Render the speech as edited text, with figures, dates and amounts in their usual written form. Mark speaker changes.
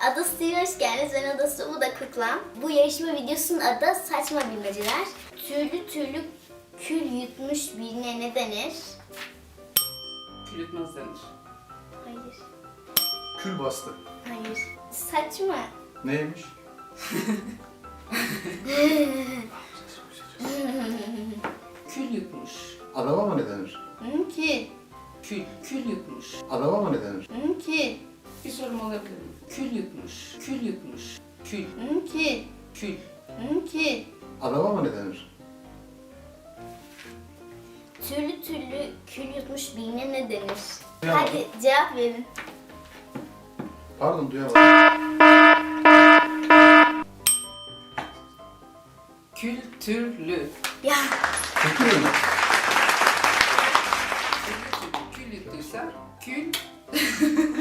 Speaker 1: Adası TV'ye hoş geldiniz. Ben Adası, bu da Kuklam. Bu yarışma videosunun adı Saçma Bilmeceler. Türlü türlü kül yutmuş birine ne denir?
Speaker 2: Kül yutmaz denir.
Speaker 1: Hayır.
Speaker 3: Kül bastı.
Speaker 1: Hayır. Saçma.
Speaker 3: Neymiş?
Speaker 2: Kül yutmuş.
Speaker 3: Adama mı ne denir?
Speaker 1: Mümkün.
Speaker 2: Kül yutmuş.
Speaker 3: Adama mı ne denir?
Speaker 1: Mümkün.
Speaker 2: Bir sorum olabilir mi? Kül yutmuş. Kül yutmuş. Kül.
Speaker 1: Mümkün.
Speaker 2: Kül.
Speaker 1: Mümkün.
Speaker 3: Adama mı ne denir?
Speaker 1: Türlü türlü kül yutmuş birine ne denir?
Speaker 3: Duyamadım.
Speaker 1: Hadi cevap verin.
Speaker 3: Pardon duyamadım.
Speaker 2: Kültürlü.
Speaker 1: Ya
Speaker 3: Çekiyor mu?
Speaker 2: Kül yuttuysa kül.